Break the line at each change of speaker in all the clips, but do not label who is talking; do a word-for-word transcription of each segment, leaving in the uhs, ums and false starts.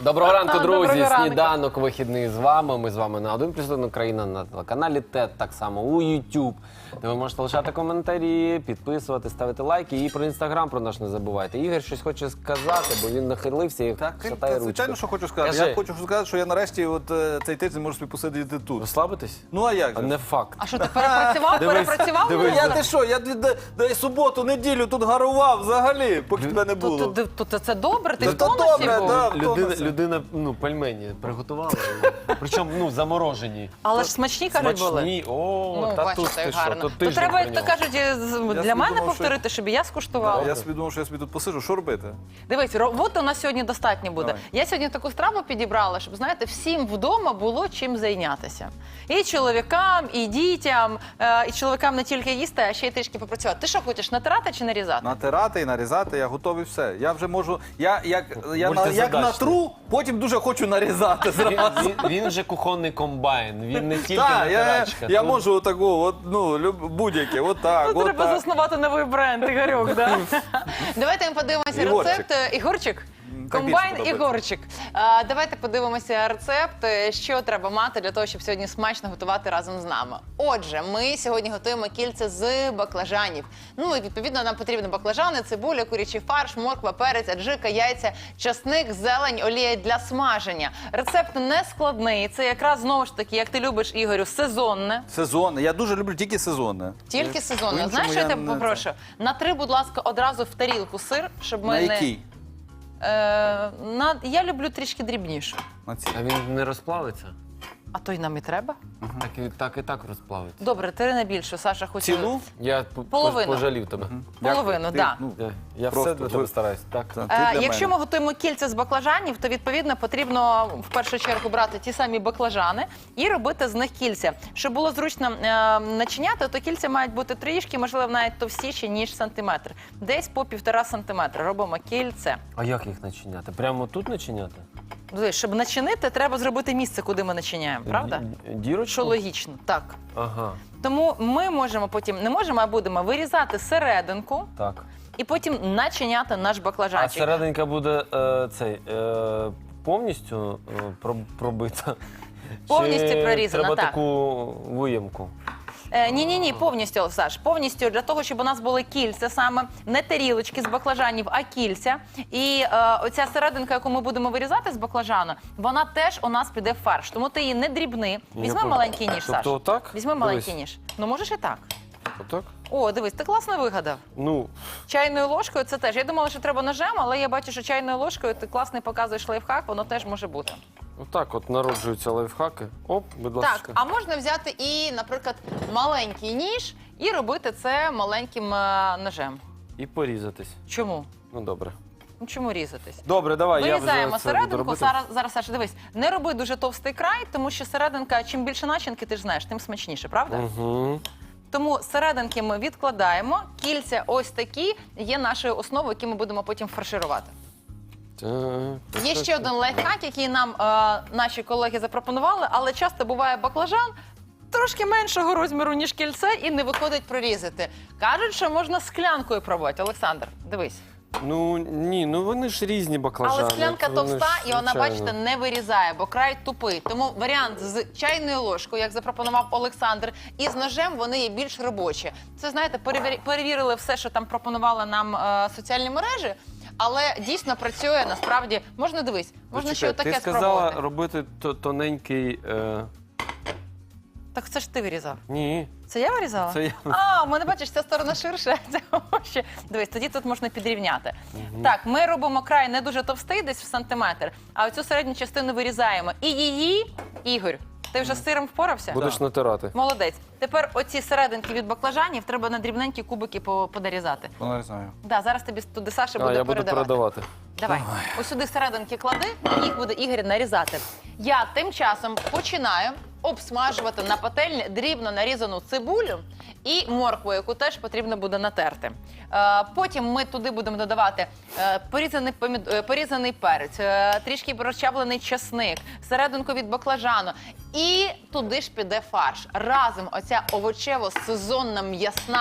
Доброго ранку, друзі!
Доброго ранку.
Сніданок вихідний з вами. Ми з вами на один плюс один Україна, на телеканалі ТЕТ, так само у YouTube, де ви можете лишати коментарі, підписувати, ставити лайки. І про Інстаграм про наш не забувайте. Ігор щось хоче сказати, бо він нахилився і
Так,
шатає
та,
ручку.
звичайно, що хочу сказати.
Кажи.
Я хочу сказати, що я нарешті от, е, цей тиждень можу собі посидіти тут.
Розслабитись?
Ну а як
А
же?
не факт.
А що, ти перепрацював?
Дивись,
Перепрацював?
дивись.
мене?
Я ти що, я д- д- д- суботу, неділю тут гарував взагалі, поки тебе не було.
То, то, то, то це добре, ти
Та
в
то
тонусі
добре,
був.
да.
Людина,
Втомився.
людина, ну, пельмені приготувала. Причому, ну, заморожені.
Але ж смачні, кажуть, були.
Смачні. О,
Ну,
та
бачите,
тут ти
як
що,
гарно.
то
То
тиждень
треба, як то
прийняв.
кажуть, з- для
собі
мене
думав,
повторити, щоб і я скуштувала.
Я собі думав, що я собі тут посиджу, що робити?
Дивись, роботи у нас сьогодні достатньо буде.
Давай.
Я сьогодні таку страву підібрала, щоб, знаєте, всім вдома було чим зайнятися. І чоловікам, і дітям, е, і чоловікам не тільки їсти, а ще й трішки попрацювати. Ти що хочеш, натирати чи нарізати?
Натирати і нарізати, я готовий все. Я вже можу, я як, я на, як
Мультизадачний.
натру, потім дуже хочу нарізати
Він,
зразу.
він, він же кухонний комбайн, він не тільки
Так, я,
натирачка.
я
Тут-
можу отаку, от, ну, люб- будь-яке, отак,
Ну, треба
отак.
заснувати новий бренд, Ігорьок, да? Давайте ми подивимося
Ігорчик.
рецепт. е, Ігорчик?
так
Комбайн
більше подобається.
Ігорчик. А, давайте подивимося рецепт, е, що треба мати для того, щоб сьогодні смачно готувати разом з нами. Отже, ми сьогодні готуємо кільце з баклажанів. Ну і відповідно нам потрібні баклажани, цибуля, курячий фарш, морква, перець, аджика, яйця, часник, зелень, олія для смаження. Рецепт не складний. Це якраз знову ж таки, як ти любиш, Ігорю, сезонне.
Сезонне. Я дуже люблю тільки сезонне.
Тільки сезонне.
По-іншому
Знаєш, що я
я
тебе
не
попрошу? Натри, будь ласка, одразу в тарілку сир, щоб ми
На
не...
якій?
Е, на... Я люблю трішки дрібніше.
На цій.
А він не розплавиться?
А то й нам і треба.
Так і так, і так розплавиться.
Добре, три на більше. Саша хоче...
Цілу?
Я п-
Половину.
пожалів тебе.
Половину,
Ти,
так.
ну,
Я, я
Просто
все для тебе
ви-
стараюсь. Так.
та, ти
Е,
для
якщо
мене.
ми готуємо кільця з баклажанів, то відповідно потрібно в першу чергу брати ті самі баклажани і робити з них кільця. Щоб було зручно е, начиняти, то кільця мають бути трішки, можливо, навіть товстіші, ніж сантиметр. Десь по півтора сантиметра робимо кільце.
А як їх начиняти? Прямо тут начиняти?
Дивись, щоб начинити, треба зробити місце, куди ми начиняємо, правда?
Ді- Дірочку?
Що логічно, так.
Ага,
Тому ми можемо потім, не можемо, а будемо вирізати серединку
так.
і потім начиняти наш
А
баклажанчик.
серединка буде е, цей, е, повністю е, проб- пробита?
Повністю
Чи
прорізана,
треба
так.
таку виємку?
Е, ні, ні, ні, повністю, Саш, повністю для того, щоб у нас були кільця саме, не тарілочки з баклажанів, а кільця. І е, оця серединка, яку ми будемо вирізати з баклажану, вона теж у нас піде в фарш. Тому ти її не дрібни. Візьми
Я
маленький ніж,
тобто
Саш.
отак?
Візьми маленький
Дивись.
ніж. Ну можеш і так.
Отак?
О, дивись, ти класно вигадав.
Ну,
Чайною ложкою це теж. Я думала, що треба ножем, але я бачу, що чайною ложкою ти класний показуєш лайфхак, воно теж може бути.
отак от народжуються лайфхаки. Оп, будь ласка.
Так, а можна взяти і, наприклад, маленький ніж і робити це маленьким е, ножем.
І порізатись.
Чому?
Ну, добре.
Ну чому різатись?
Добре, давай, я
Вирізаємо
вже це буду
серединку.
робити.
Зараз, зараз, Саша, дивись, не роби дуже товстий край, тому що серединка, чим більше начинки, ти ж знаєш, тим смачніше, правда?
Угу.
Тому серединки ми відкладаємо, кільця ось такі є нашою основою, які ми будемо потім фарширувати.
Так.
Є ще один лайфхак, який нам е, наші колеги запропонували, але часто буває баклажан трошки меншого розміру, ніж кільце, і не виходить прорізати. Кажуть, що можна склянкою пробувати. Олександр, дивись.
Ну, ні, ну вони ж різні баклажани.
Але склянка
Вони
товста,
ж,
і вона,
звичайно.
бачите, не вирізає, бо край тупий. Тому варіант з чайною ложкою, як запропонував Олександр, і з ножем вони є більш робочі. Це, знаєте, перевір- перевірили все, що там пропонували нам е, соціальні мережі, але дійсно працює, насправді. Можна, дивись, можна ще
Почекай,
отаке
ти сказала
спробувати.
робити то- тоненький... Е...
Так це ж ти вирізав.
Ні,
Це я вирізала?
це я.
А, у мене, бачиш, ця сторона ширша, а ця вужча. Дивись, тоді тут можна підрівняти. Так, ми робимо край не дуже товстий, десь в сантиметр, а оцю середню частину вирізаємо. І її, Ігор, ти вже з сиром впорався?
Будеш натирати.
Молодець. Тепер оці серединки від баклажанів треба на дрібненькі кубики по- подорізати.
Нарізаю.
Да, зараз тобі туди Саша
А,
буде
я буду
передавати.
передавати.
Давай. Ось сюди серединки клади, і їх буде Ігор нарізати. Я тим часом починаю обсмажувати на пательні дрібно нарізану цибулю і моркву, яку теж потрібно буде натерти. Е, Потім ми туди будемо додавати е, порізаний, помід... е, порізаний перець, е, трішки розчавлений чесник, серединку від баклажану. І туди ж піде фарш. Разом оця овочево-сезонна м'ясна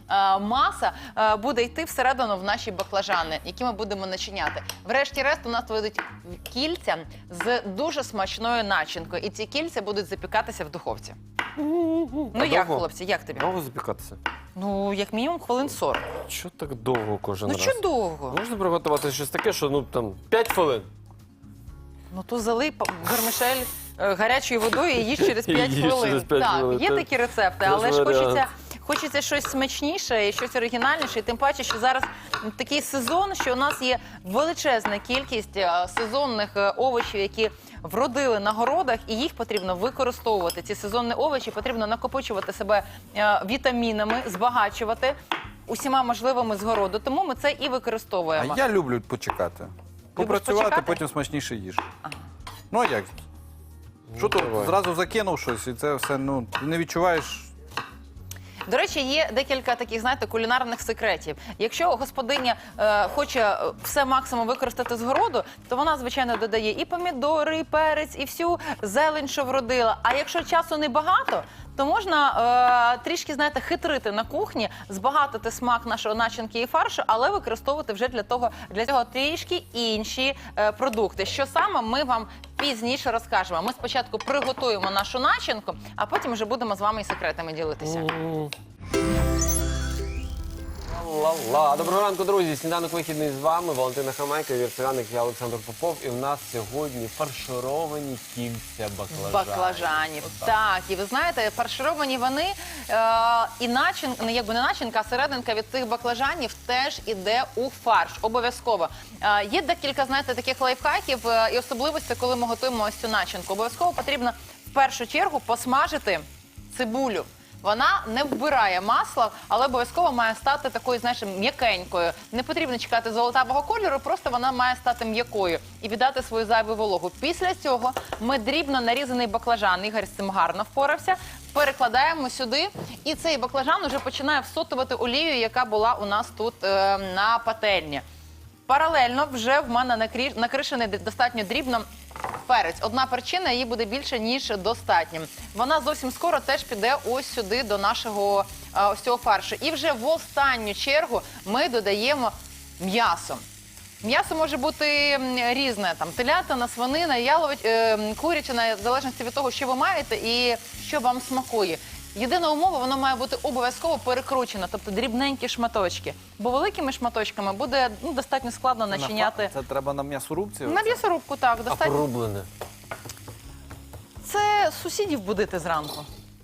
е, маса е, буде йти всередину в наші баклажани, які ми будемо начиняти. Врешті-решт у нас вийдуть кільця з дуже смачною начинкою. І ці кільця будуть запікатися в духовці. Ну
А
як,
довго?
хлопці, як тобі?
Довго запікатися?
Ну, як мінімум, хвилин сорок.
Що так довго кожен
Ну,
раз?
що довго?
Можна приготувати щось таке, що ну там п'ять хвилин.
Ну, то залий па- вермишель е, гарячою водою і їж через п'ять
Їж
хвилин.
через п'ять
так,
хвилин,
є
це-
такі рецепти,
це ж
але ж
варіант.
хочеться, хочеться щось смачніше і щось оригінальніше. І тим паче, що зараз такий сезон, що у нас є величезна кількість е, сезонних е, овочів, які вродили на городах, і їх потрібно використовувати. Ці сезонні овочі потрібно накопичувати себе е, вітамінами, збагачувати усіма можливими з городу. Тому ми це і використовуємо.
А я люблю почекати. Попрацювати,
почекати?
потім смачніше їж. Ну а як? Що то
давай.
зразу закинув щось, і це все, ну, ти не відчуваєш.
До речі, є декілька таких, знаєте, кулінарних секретів. Якщо господиня е, хоче е, все максимум використати з городу, то вона, звичайно, додає і помідори, і перець, і всю зелень, що вродила. А якщо часу небагато, то можна е, трішки, знаєте, хитрити на кухні, збагатити смак нашого начинки і фаршу, але використовувати вже для того, для цього трішки інші е, продукти. Що саме, ми вам пізніше розкажемо. Ми спочатку приготуємо нашу начинку, а потім вже будемо з вами і секретами ділитися.
Ла-ла. Доброго ранку, друзі. Сніданок вихідний з вами. Валентина Хамайка, Віртуяник, я Олександр Попов. І в нас сьогодні фаршировані кільця баклажанів.
Баклажанів. Так, і ви знаєте, фаршировані вони, е, і начинка, не якби не начинка, а серединка від цих баклажанів теж іде у фарш. Обов'язково. Е, є декілька, знаєте, таких лайфхаків е, і особливостей, коли ми готуємо ось цю начинку. Обов'язково потрібно в першу чергу посмажити цибулю. Вона не вбирає масла, але обов'язково має стати такою, знаєш, м'якенькою. Не потрібно чекати золотавого кольору, просто вона має стати м'якою і віддати свою зайву вологу. Після цього ми дрібно нарізаний баклажан, Ігор з цим гарно впорався, перекладаємо сюди, і цей баклажан уже починає всотувати олію, яка була у нас тут е, на пательні. Паралельно вже в мене накрі- накришений достатньо дрібно перець. Одна перчина, її буде більше, ніж достатньо. Вона зовсім скоро теж піде ось сюди до нашого а, ось цього фаршу. І вже в останню чергу ми додаємо м'ясо. М'ясо може бути м, різне, там телятина, свинина, ялович, е, курячина, в залежності від того, що ви маєте і що вам смакує. Єдина умова, воно має бути обов'язково перекручено, тобто дрібненькі шматочки. Бо великими шматочками буде ну, достатньо складно начиняти.
Це треба на м'ясорубці?
На м'ясорубку, так,
А
достатньо.
порублене.
Це сусідів будити зранку.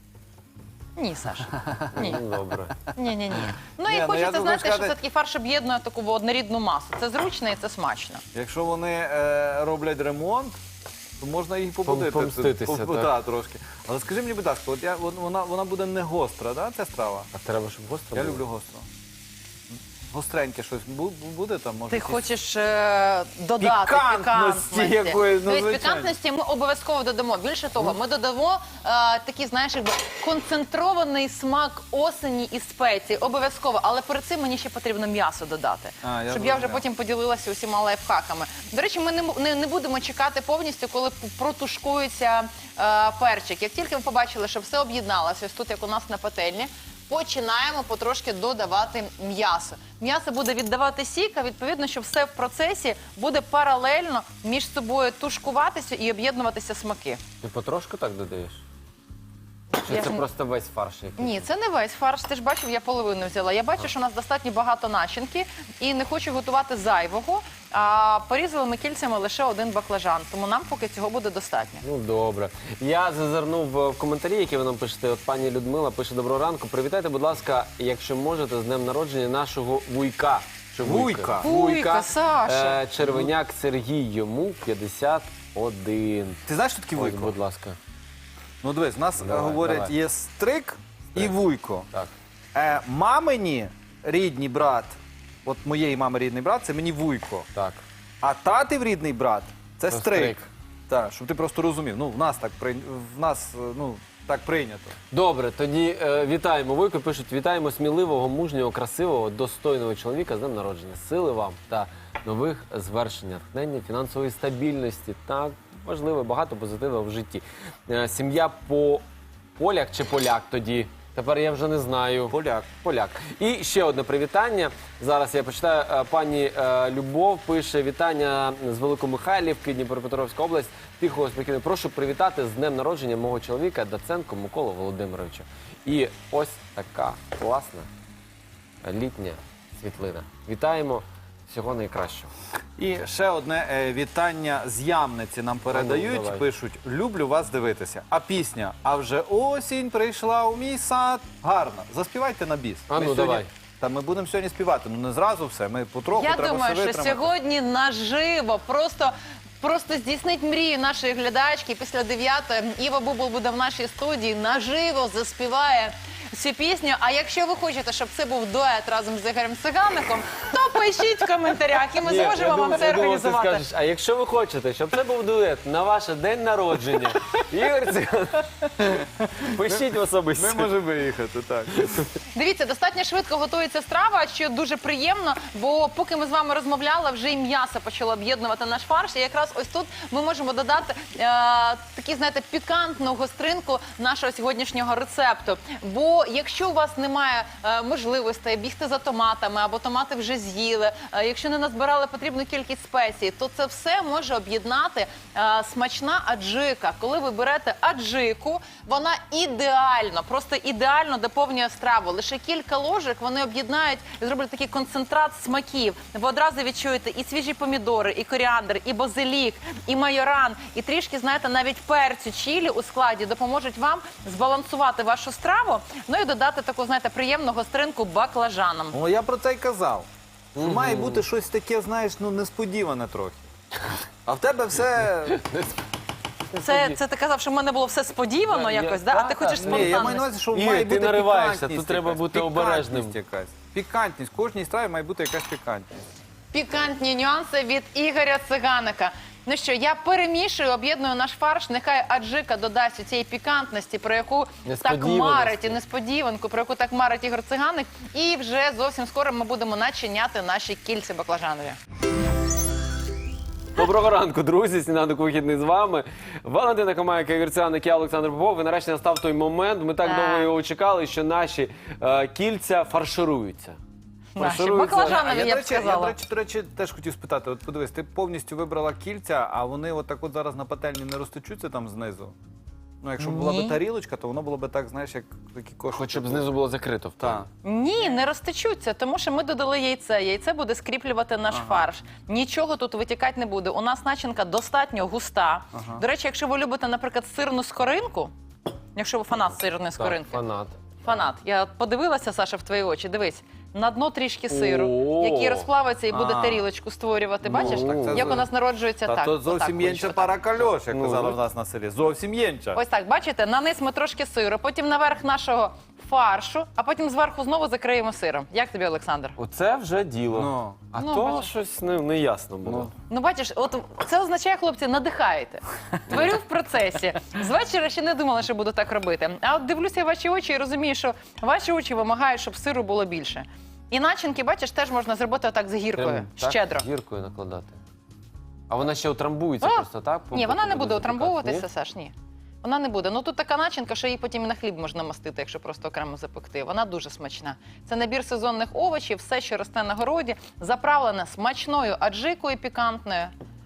Ні, Саша. Ні.
Ну, добре.
Ні, ні, ні. Ну
Ні,
і
ну,
хочеться,
я думаю,
знаєте, що
сказати-
все-таки фарш об'єднує таку однорідну масу. Це зручно і це смачно.
Якщо вони е, роблять ремонт, то можна їх побудити.
помститися,
Пом-
так.
да, трошки. Але скажи мені, будь ласка, от я, вон- вона, вона буде не гостра, да, ця страва?
А треба, щоб гостро
Я
було?
люблю гостро. Гостреньке щось бу- буде там? Може,
Ти
якісь-
хочеш е, додати
Пікантності
пікантності.
якоїсь, ну,
Тобто
звичайно.
пікантності ми обов'язково додамо. Більше того, ми додамо е, такий, знаєш, якби концентрований смак осені і спеції. Обов'язково. Але перед цим мені ще потрібно м'ясо додати.
А, я
щоб я вже
зрозумів.
потім поділилася усіма лайфхаками. До речі, ми не, м- не, не будемо чекати повністю, коли п- протушкується е, перчик. Як тільки ми побачили, що все об'єдналося, ось тут, як у нас на пательні, починаємо потрошки додавати м'ясо. М'ясо буде віддавати сік, а відповідно, що все в процесі буде паралельно між собою тушкуватися і об'єднуватися смаки.
Ти потрошку так додаєш? Чи
Я
це
ж-
просто весь фарш який?
Ні, це не весь фарш. Ти ж бачив, я половину взяла. Я бачу, що у нас достатньо багато начинки і не хочу готувати зайвого. А порізали ми кільцями лише один баклажан, тому нам поки цього буде достатньо.
Ну, добре. Я зазирнув е, в коментарі, які ви нам пишете. От пані Людмила пише: доброго ранку. Привітайте, будь ласка, якщо можете, з днем народження нашого вуйка. Чи
Вуйка?
Вуйка, Саша.
Е, Червеняк Сергій, йому п'ятдесят один.
Ти знаєш, що таке
Ось,
вуйко?
будь ласка.
Ну дивись, у нас е,
Давай,
говорять,
давай.
є стрик і вуйко.
Так.
Е, мамині рідний брат, от моєї мами рідний брат, це мені вуйко.
Так.
А татів рідний брат це
Це
стрик.
стрик.
Так, щоб ти просто розумів. Ну, в нас так прийнято. В нас, е, ну, так прийнято.
Добре, тоді е, вітаємо Вуйко. Пишуть: вітаємо сміливого, мужнього, красивого, достойного чоловіка з днем народження. Сили вам та нових звершень, натхнення, фінансової стабільності. Так, важливо, багато позитиву в житті. Е, сім'я по поляк чи поляк тоді Тепер я вже не знаю.
Поляк.
Поляк. І ще одне привітання. Зараз я почитаю. Е, Пані е, Любов пише: вітання з Великомихайлівки, Дніпропетровська область. Тихого, спокійно. Прошу привітати з днем народження мого чоловіка Даценко Миколу Володимировича. І ось така класна літня світлина. Вітаємо. Всього найкращого.
І ще одне е, вітання з Ямниці нам передають.
давай.
Пишуть: люблю вас дивитися. А пісня «А вже осінь прийшла у мій сад». Гарно. Заспівайте на біс.
А ну,
Ми сьогодні-
давай.
Та ми будемо сьогодні співати. Ну не зразу все. Ми потроху
Я
треба
думаю,
все
що
витримати.
сьогодні наживо просто. Просто здійснить мрію нашої глядачки. Після дев'ятої Іва Бубл буде в нашій студії, наживо заспіває цю пісню. А якщо ви хочете, щоб це був дует разом з Ігорем Цигаником, то пишіть в коментарях, і ми
Ні,
зможемо
я
вам
думав-
це
я думав, ти
організувати.
скажеш, а якщо ви хочете, щоб це був дует на ваше день народження, Ігор Циган, пишіть в особисті.
Ми можемо виїхати, так.
Дивіться, достатньо швидко готується страва, що дуже приємно, бо поки ми з вами розмовляли, вже і м'ясо почало об'єднувати наш фарш. І якраз ось тут ми можемо додати е, такі, знаєте, пікантну гостринку нашого сьогоднішнього рецепту. Бо якщо у вас немає е, можливостей бігти за томатами, або томати вже з'їли, е, якщо не назбирали потрібну кількість спецій, то це все може об'єднати е, смачна аджика. Коли ви берете аджику, вона ідеально, просто ідеально доповнює страву. Лише кілька ложок вони об'єднають і зроблять такий концентрат смаків. Ви одразу відчуєте і свіжі помідори, і коріандр, і базилік, і майоран, і трішки, знаєте, навіть перцю чилі у складі допоможуть вам збалансувати вашу страву, ну і додати таку, знаєте, приємну гостринку баклажаном.
О, я про це й казав. Що має бути щось таке, знаєш, ну несподіване трохи. А в тебе все...
Це, це ти казав, що в мене було все сподівано
Я-
якось,
я-
да? а
та,
ти
та.
хочеш
Ні,
спонтанність.
Ні, я маю на увазі, що
Ігор,
має
ти
бути
нариваєшся,
пікантність
тут треба
якась,
бути
пікантність
обережним.
якась. Пікантність. В кожній страві має бути якась пікантність.
Пікантні нюанси від Ігоря Циганика. Ну що, я перемішую, об'єдную наш фарш. Нехай аджика додасть у цієї пікантності, про яку так
Несподіваності.
марить, і несподіванку, про яку так марить Ігор Циганик. І вже зовсім скоро ми будемо начиняти наші кільці баклажанові.
Доброго ранку, друзі. Сніданок вихідний з вами. Валентина Комайка, Ігор Циганик, я Олександр Попов. І нарешті настав той момент. Ми так
Так.
довго його чекали, що наші е, кільця фаршируються.
Наші
Фаршируються.
баклажанові,
я,
я
до
б
речі, я,
сказала.
до речі, до речі, теж хотів спитати. От подивись, ти повністю вибрала кільця, а вони отак от зараз на пательні не розтечуться там знизу? Ну, якщо б була
Ні.
б тарілочка, то воно було б так, знаєш, як такі кошики.
Хоч щоб знизу було закрито. в
Так.
плані.
Ні, не розтечуться, тому що ми додали яйце. Яйце буде скріплювати наш фарш. Нічого тут витікати не буде. У нас начинка достатньо густа.
Ага.
До речі, якщо ви любите, наприклад, сирну скоринку, якщо ви фанат сирної
Так,
скоринки,
фанат.
фанат, я подивилася, Саша, в твої очі, дивись. На дно трішки сиру,
О!
який розплавиться і буде
А.
тарілочку створювати. Бачиш,
Ну,
це
як
за-
у нас народжується
Та
так.
то
отак,
зовсім єнча
отак.
пара кальош, як
Ну,
казали
ну.
в нас на селі. Зовсім єнча.
Ось так, бачите, на низ ми трошки сиру, потім наверх нашого фаршу, а потім зверху знову закриємо сиром. Як тобі, Олександр?
Оце вже діло.
Ну.
А
Ну,
то
бачиш.
щось не, не ясно було.
Ну.
Ну, бачиш, от це означає, хлопці, надихаєте. Творю в процесі. З вечора ще не думала, що буду так робити. А от дивлюся в ваші очі і розумію, що ваші очі вимагають, щоб сиру було більше. І начинки, бачиш, теж можна зробити отак з гіркою,
Прям так
щедро.
гіркою накладати. А вона ще утрамбується
А,
просто, так?
Ні, вона не буде
запікати,
утрамбовуватися,
ні?
Саш, ні. Вона не буде. Ну тут така начинка, що її потім і на хліб можна мастити, якщо просто окремо запекти. Вона дуже смачна. Це набір сезонних овочів, все, що росте на городі, заправлене смачною аджикою пікантною.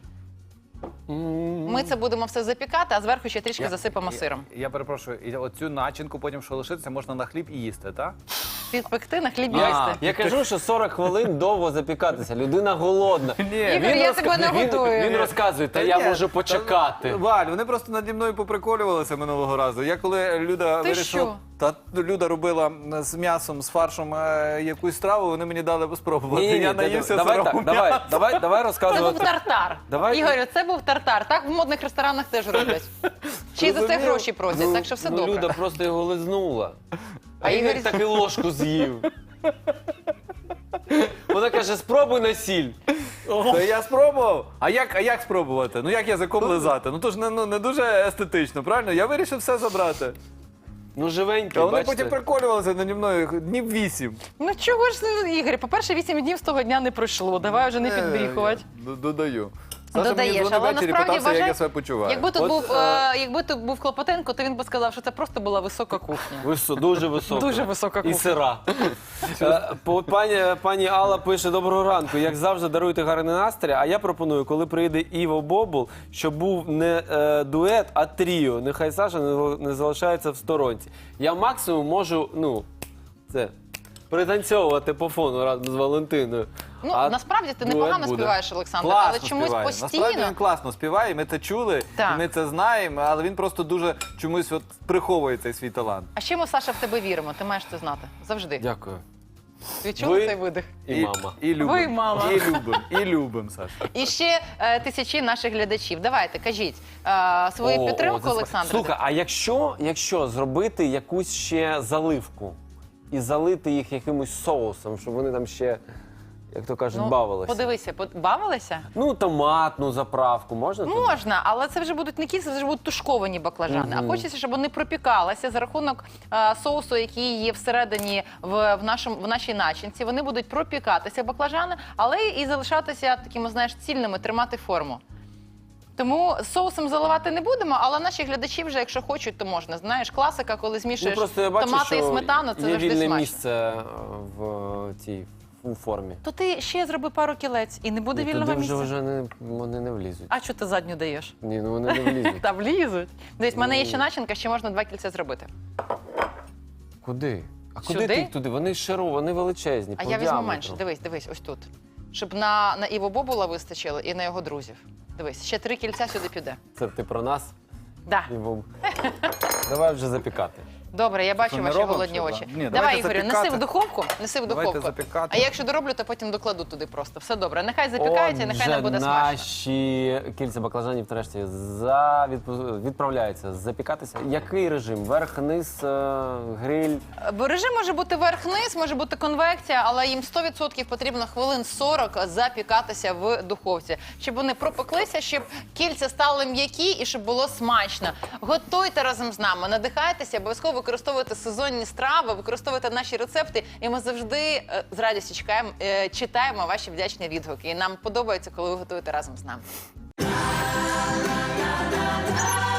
М.
Ми це будемо все запікати, а зверху ще трішки
Я-
засипемо
я-
сиром.
Я, перепрошую, і оцю начинку потім, що лишиться, можна на хліб і їсти, так?
Підпекти на хліб
Я,
їсти.
я кажу, що сорок хвилин довго запікатися. Людина голодна.
Ні.
Ігор, я тебе не
він,
годую.
він розказує, та
Та
я
ні,
можу
та-
почекати.
Валь, вони просто наді мною поприколювалися минулого разу. Я коли Люда
Ти
вирішила,
що?
та Люда робила з м'ясом, з фаршем е, якусь страву, вони мені дали спробувати.
Ні, ні,
я
ні,
наївся
давай
сирого
так, давай,
м'яса.
давай, давай
Це був
розказувати.
тартар.
Давай.
Ігорю, це був тартар. Так в модних ресторанах теж роблять. Чи й за це
Розумів.
гроші просять, так що все
ну,
добре.
Люда просто його лизнула. А,
А
Ігор
Ігор-
так і ложку з'їв. Вона каже, спробуй на сіль.
Та я спробував. А як, а як спробувати? Ну як язиком лизати? Ну то ж не, ну, не дуже естетично, правильно? Я вирішив все забрати.
Ну, живенький,
А вони
бачите.
потім приколювалися наді мною днів вісім.
Ну чого ж, Ігор, по-перше, вісім днів з того дня не пройшло. Давай вже не підбріхувати.
Е, я Додаю. Саша
додаєш,
мені дзвонив
але
ввечері і
насправді
питався, як
вважай,
я себе почуваю.
якби тут
От,
був,
е,
е, якби тут був Клопотенко, то він би сказав, що це просто була висока кухня.
Висо, дуже висока.
Дуже висока
І
кухня.
сира. Е, по- Пані, пані Алла пише: доброго ранку. Як завжди, даруйте гарний настрій. А я пропоную, коли прийде Іво Бобул, щоб був не е, дует, а тріо. Нехай Саша не, не залишається в сторонці. Я максимум можу, ну, це, пританцьовувати по фону разом з Валентиною.
Ну,
А
насправді ти
дует
непогано
буде.
співаєш, Олександр,
Класно
але чомусь
співає.
постійно.
Насправді він класно співає, і ми це чули,
Так.
і ми це знаємо, але він просто дуже чомусь от приховує цей свій талант.
А ще ми, Саша, в тебе віримо, ти маєш це знати. Завжди.
Дякую.
Відчули
Ви-
цей видих?
І, мама.
І любим.
Ви, мама.
І любим, і любим, Саша.
І ще е, тисячі наших глядачів. Давайте, кажіть е, свою
О,
підтримку,
о, це сп-
Олександр.
Слухай, а якщо, якщо зробити якусь ще заливку і залити їх якимось соусом, щоб вони там ще, як то кажуть, бавилися?
Подивися, под- бавилися?
Ну, томатну заправку можна? туди?
Можна, але це вже будуть не кільця, це вже будуть тушковані баклажани. А хочеться, щоб вони пропікалися за рахунок е, соусу, який є всередині в, в, нашому, в нашій начинці. Вони будуть пропікатися баклажани, але і залишатися такими, знаєш, цільними, тримати форму. Тому соусом заливати не будемо, але наші глядачі вже, якщо хочуть, то можна. Знаєш, класика, коли
Ну,
змішуєш
просто я бачу,
томати і
що
сметану, це
є
завжди
вільне
смачно.
місце е, в цій у формі.
То ти ще зроби пару кілець і не буде
І
вільного
туди
місця.
вже, вже не, вони не влізуть.
А що ти задню даєш?
Ні, ну вони не влізуть.
Та влізуть. Дивись, в мене є ще начинка, ще можна два кільця зробити.
Куди? А куди
Сюди?
ти їх туди? Вони широкі, вони величезні.
А
по
я візьму
діаметру.
менше. Дивись, дивись, ось тут. Щоб на, на Іво Бобула вистачило і на його друзів. Дивись, ще три кільця сюди піде.
Це ти про нас?
Да.
І бом. Давай вже запікати.
Добре, я бачу
Що, не
ваші
робимо
голодні
ще,
очі.
да? Ні,
Давай,
давайте
Ігорю,
запікати.
неси в духовку, неси в
Давайте
духовку.
запікати.
А я якщо дороблю, то потім докладу туди просто. Все добре. Нехай запікається, нехай нам буде
Отже,
смачно.
наші кільця баклажанів нарешті за... відпу- відправляються запікатися. Який режим? Верх, низ, е, гриль?
Бо режим може бути верх-низ, може бути конвекція, але їм сто відсотків потрібно хвилин сорок запікатися в духовці, щоб вони пропеклися, щоб кільця стали м'які і щоб було смачно. Готуйте разом з нами, надихайтеся, обов'язково використовуйте сезонні страви, використовуйте наші рецепти, і ми завжди е, з радістю чекаємо, е, читаємо ваші вдячні відгуки. І нам подобається, коли ви готуєте разом з нами.